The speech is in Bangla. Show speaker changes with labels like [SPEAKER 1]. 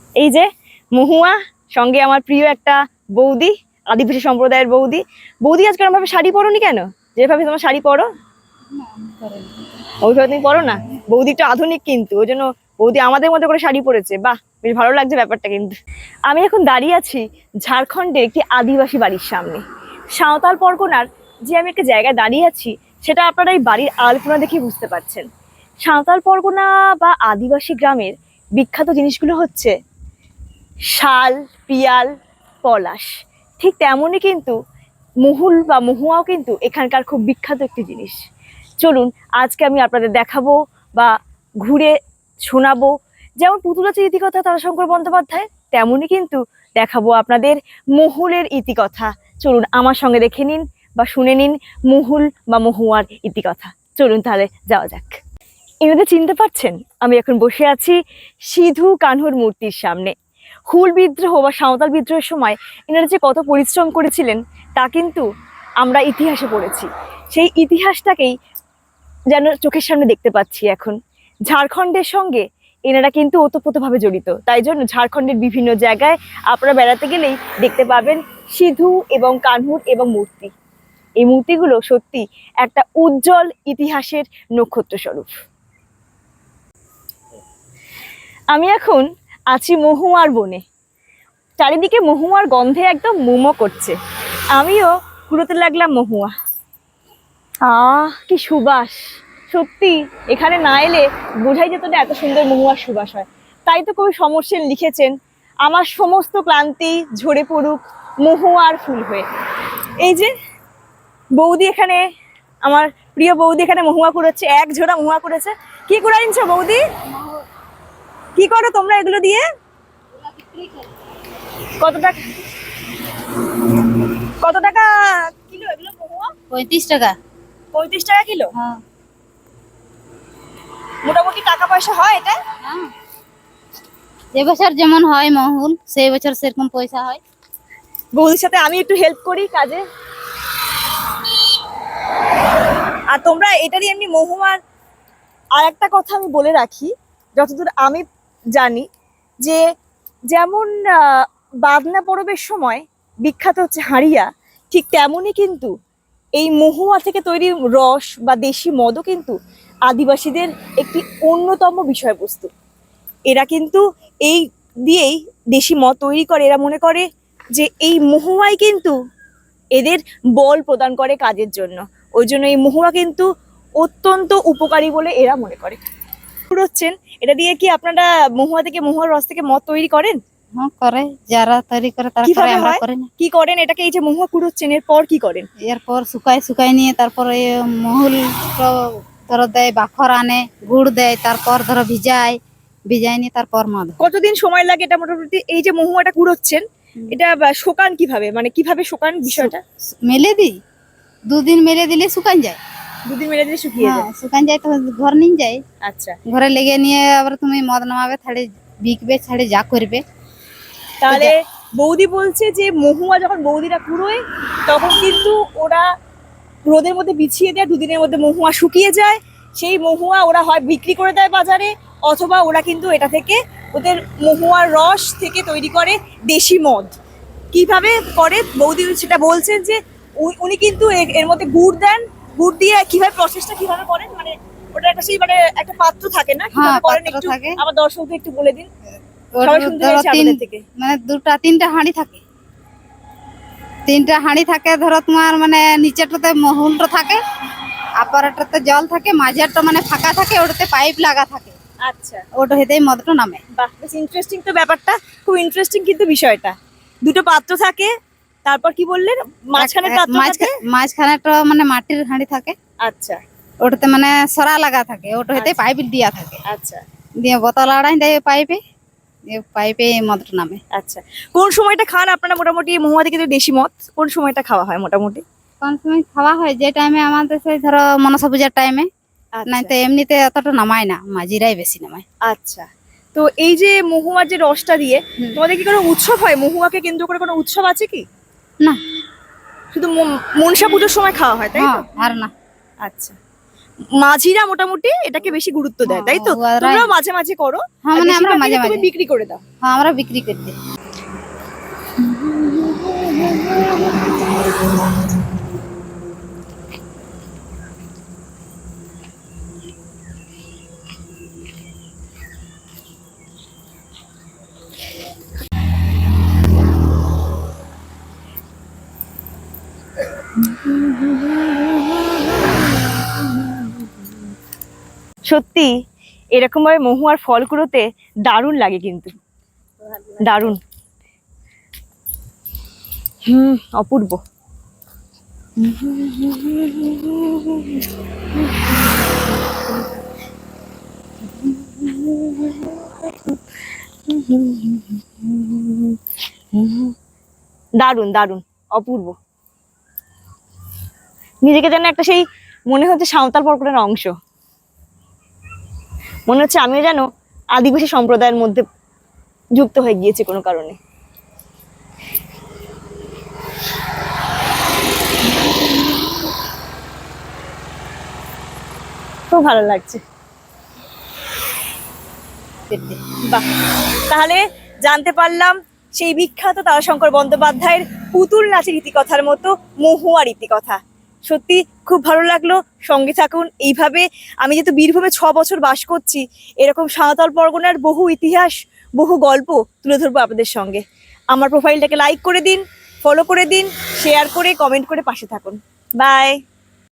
[SPEAKER 1] এই যে মহুয়া, সঙ্গে আমার প্রিয় একটা বৌদি, আদিবাসী সম্প্রদায়ের বৌদি। বৌদি আজকে ভাবে শাড়ি পরোনি কেন? যেভাবে তোমার শাড়ি পরো ওইভাবে তুমি পরো না। বৌদি একটু আধুনিক কিন্তু, ওই জন্য বৌদি আমাদের মতো করে শাড়ি পরেছে। বাহ, বেশ ভালো লাগছে ব্যাপারটা। কিন্তু আমি এখন দাঁড়িয়ে আছি ঝাড়খণ্ডের একটি আদিবাসী বাড়ির সামনে। সাঁওতাল পরগনার যে আমি একটা জায়গায় দাঁড়িয়ে আছি, সেটা আপনারা এই বাড়ির আলপনা দেখে বুঝতে পারছেন। সাঁওতাল পরগনা বা আদিবাসী গ্রামের বিখ্যাত জিনিসগুলো হচ্ছে শাল, পিয়াল, পলাশ। ঠিক তেমনই কিন্তু মহুল বা মহুয়াও কিন্তু এখানকার খুব বিখ্যাত একটি জিনিস। চলুন আজকে আমি আপনাদের দেখাবো বা ঘুরে শোনাবো। যেমন পুতুলাচের ইতিকথা তারাশঙ্কর বন্দ্যোপাধ্যায়, তেমনই কিন্তু দেখাবো আপনাদের মহুলের ইতিকথা। চলুন আমার সঙ্গে দেখে নিন বা শুনে নিন মহুল বা মহুয়ার ইতিকথা। চলুন তাহলে যাওয়া যাক। এনাদের চিনতে পারছেন? আমি এখন বসে আছি সিধু কানহুর মূর্তির সামনে। হুল বিদ্রোহ বা সাঁওতাল বিদ্রোহের সময় এনারা যে কত পরিশ্রম করেছিলেন তা কিন্তু আমরা ইতিহাসে পড়েছি। সেই ইতিহাসটাকেই যেন চোখের সামনে দেখতে পাচ্ছি এখন। ঝাড়খণ্ডের সঙ্গে এনারা কিন্তু ওতপ্রোতভাবে জড়িত, তাই জন্য ঝাড়খণ্ডের বিভিন্ন জায়গায় আপনারা বেড়াতে গেলেই দেখতে পাবেন সিধু এবং কানহুর এবং মূর্তি। এই মূর্তিগুলো সত্যি একটা উজ্জ্বল ইতিহাসের নক্ষত্র স্বরূপ। আমি এখন আছি মহুয়ার বনে। চারিদিকে মহুয়ার গন্ধে একদম মোমো করছে। আমিও কুড়োতে লাগলাম মহুয়া। কি সুবাস! সত্যি এখানে না এলে বোঝাই যেত না এত সুন্দর মহুয়ার সুবাস হয়। তাই তো কবি সমর সেন লিখেছেন, আমার সমস্ত ক্লান্তি ঝরে পড়ুক মহুয়ার ফুল হয়ে। এই যে বৌদি এখানে, আমার প্রিয় বৌদি এখানে মহুয়া কুড়োচ্ছে, এক ঝোড়া মহুয়া করেছে। কি কুড়া নিচ্ছ বৌদি? কি করো তোমরা এগুলো দিয়ে? কত টাকা, কত টাকা কিলো এগুলো মহুয়া?
[SPEAKER 2] 35 টাকা।
[SPEAKER 1] 35 টাকা কিলো?
[SPEAKER 2] হ্যাঁ।
[SPEAKER 1] মোটামুটি টাকা পয়সা হয় এটা?
[SPEAKER 2] যে বছর যেমন হয় মহুল, সেই বছর সেরকম পয়সা হয়।
[SPEAKER 1] বৌদির সাথে আমি একটু হেল্প করি কাজে। আর তোমরা এটা দিয়ে এমনি মহুয়ার আর একটা কথা আমি বলে রাখি, যতদূর আমি জানি, যে যেমন বাদনা পরবের সময় বিখ্যাত হচ্ছে হাঁড়িয়া, ঠিক তেমনই কিন্তু এই মহুয়া থেকে তৈরি রস বা দেশি মদও কিন্তু আদিবাসীদের একটি অন্যতম বিষয়বস্তু। এরা কিন্তু এই দিয়েই দেশি মদ তৈরি করে। এরা মনে করে যে এই মহুয়াই কিন্তু এদের বল প্রদান করে কাজের জন্য। ওই জন্য এই মহুয়া কিন্তু অত্যন্ত উপকারী বলে এরা মনে করে। হচ্ছেন এটা দিয়ে কি আপনারা মহুয়া থেকে, মহুয়ার রস থেকে মদ তৈরি করেন?
[SPEAKER 2] হ্যাঁ করে, যারা তৈরি করে তারা করে, আমরা করি না।
[SPEAKER 1] কি করেন এটাকে? এই যে মহুয়া কুড়োচ্ছেন, এরপর কি করেন?
[SPEAKER 2] এরপর শুকাই নিয়ে তারপরে মহুল ধরো দেয়, বাখর আনে, গুড় দেয়, তারপর ধরো ভিজাই নিয়ে তারপর মদ।
[SPEAKER 1] কতদিন সময় লাগে এটা মোটামুটি? এই যে মহুয়াটা কুড়োচ্ছেন, এটা শোকান কিভাবে, মানে কিভাবে শোকান বিষয়টা?
[SPEAKER 2] মেলে দিই, 2 দিন মেলে দিলে শুকান যায়।
[SPEAKER 1] 2 দিন মেলে দিলে শুকিয়ে যায়?
[SPEAKER 2] শুকান যায় তো ঘর নিয়ে যায়।
[SPEAKER 1] আচ্ছা,
[SPEAKER 2] ঘরে লেগে নিয়ে আবার তুমি মদ নামাবে, ছাড়ে বিকবে, ছাড়ে যা করবে।
[SPEAKER 1] তাহলে বৌদি বলছে যে মহুয়া যখন বৌদিরা কুড়োয় তখন কিন্তু ওরা রোদের মধ্যে বিছিয়ে দেয়, 2 দিনের মধ্যে মহুয়া শুকিয়ে যায়। সেই মহুয়া ওরা হয় বিক্রি করে দেয় বাজারে, অথবা ওরা কিন্তু এটা থেকে ওদের মহুয়ার রস থেকে তৈরি করে দেশি মদ। কিভাবে করে বৌদি সেটা বলছেন যে উনি কিন্তু এর মধ্যে গুড় দেন। গুড় দিয়ে কিভাবে প্রসেসটা কিভাবে করেন, মানে ওটা একটা সেই মানে একটা পাত্র থাকে না, কিভাবে করেন একটু আমার দর্শকদের একটু বলে দিন। সবাই শুনতে চাইছে আপনাদের থেকে।
[SPEAKER 2] মানে 2-3টা হাঁড়ি থাকে, 3টা হাঁড়ি থাকে। ধরো তোমার মানে নিচেরটাতে মহুলটা থাকে, আপারটাতে জল থাকে, মাঝেরটা মানে ফাঁকা থাকে, ওটাতে পাইপ লাগা থাকে।
[SPEAKER 1] আচ্ছা,
[SPEAKER 2] ওটা হেতেই মদটা নামে।
[SPEAKER 1] বাহ, বেশ ইন্টারেস্টিং তো ব্যাপারটা, খুব ইন্টারেস্টিং কিন্তু বিষয়টা। 2টো পাত্র থাকে, তারপর কি বললেন?
[SPEAKER 2] মাঝখানেটা মানে মাটির হাঁড়ি থাকে।
[SPEAKER 1] আচ্ছা,
[SPEAKER 2] ওটাতে মানে সরা লাগা থাকে, ওটা হেতে পাইপ দিয়া থাকে।
[SPEAKER 1] আচ্ছা,
[SPEAKER 2] দিয়ে বোতল আড়াই দেয় পাইপে, পাইপে মদটা নামে।
[SPEAKER 1] আচ্ছা। কোন সময়টা খান আপনারা মোটামুটি মহুয়া থেকে দেশি মদ? কোন সময়টা খাওয়া হয় মোটামুটি?
[SPEAKER 2] কোন সময় খাওয়া হয়? যে টাইমে আমাদের সেই ধরো মনসা পূজার টাইমে, নাই তো এমনিতে অতটা নামায় না, মাঝিরাই বেশি নামায়।
[SPEAKER 1] আচ্ছা, তো এই যে মহুয়ার যে রসটা দিয়ে তোমাদের কি কোনো উৎসব হয়? মহুয়াকে কেন্দ্র করে কোনো উৎসব আছে কি?
[SPEAKER 2] না,
[SPEAKER 1] শুধু মনসা পুজোর সময় খাওয়া হয়, তাই তো?
[SPEAKER 2] আর না।
[SPEAKER 1] আচ্ছা, মাঝিরা মোটামুটি এটাকে বেশি গুরুত্ব দেয়, তাই তো?
[SPEAKER 2] হ্যাঁ, ওরা-
[SPEAKER 1] তোমরাও মাঝে মাঝে করো?
[SPEAKER 2] হ্যাঁ,
[SPEAKER 1] আর
[SPEAKER 2] মানে আমরা
[SPEAKER 1] বেশিরভাগ
[SPEAKER 2] মাঝে
[SPEAKER 1] তুমি
[SPEAKER 2] মাঝে।
[SPEAKER 1] বিক্রি করে দাও?
[SPEAKER 2] হ্যাঁ, আমরা বিক্রি করে দিই।
[SPEAKER 1] সত্যি এরকম ভাবে মহুয়ার ফল কুড়োতে দারুণ লাগে কিন্তু, দারুণ। অপূর্ব। দারুণ দারুণ, অপূর্ব। নিজেকে যেন একটা সেই মনে হচ্ছে সাঁওতাল পরগনার অংশ, মনে হচ্ছে আমিও যেন আদিবাসী সম্প্রদায়ের মধ্যে যুক্ত হয়ে গিয়েছি কোনো কারণে। খুব ভালো লাগছে। বাহ, তাহলে জানতে পারলাম সেই বিখ্যাত তারাশঙ্কর বন্দ্যোপাধ্যায়ের পুতুল নাচের ইতিকথার মতো মহুয়ার ইতিকথা। সত্যি খুব ভালো লাগলো, সঙ্গে থাকুন এইভাবে। আমি যেহেতু বীরভূমে 6 বছর বাস করছি, এরকম সাঁওতাল পরগনার বহু ইতিহাস, বহু গল্প তুলে ধরবো আপনাদের সঙ্গে। আমার প্রোফাইলটাকে লাইক করে দিন, ফলো করে দিন, শেয়ার করে কমেন্ট করে পাশে থাকুন। বাই।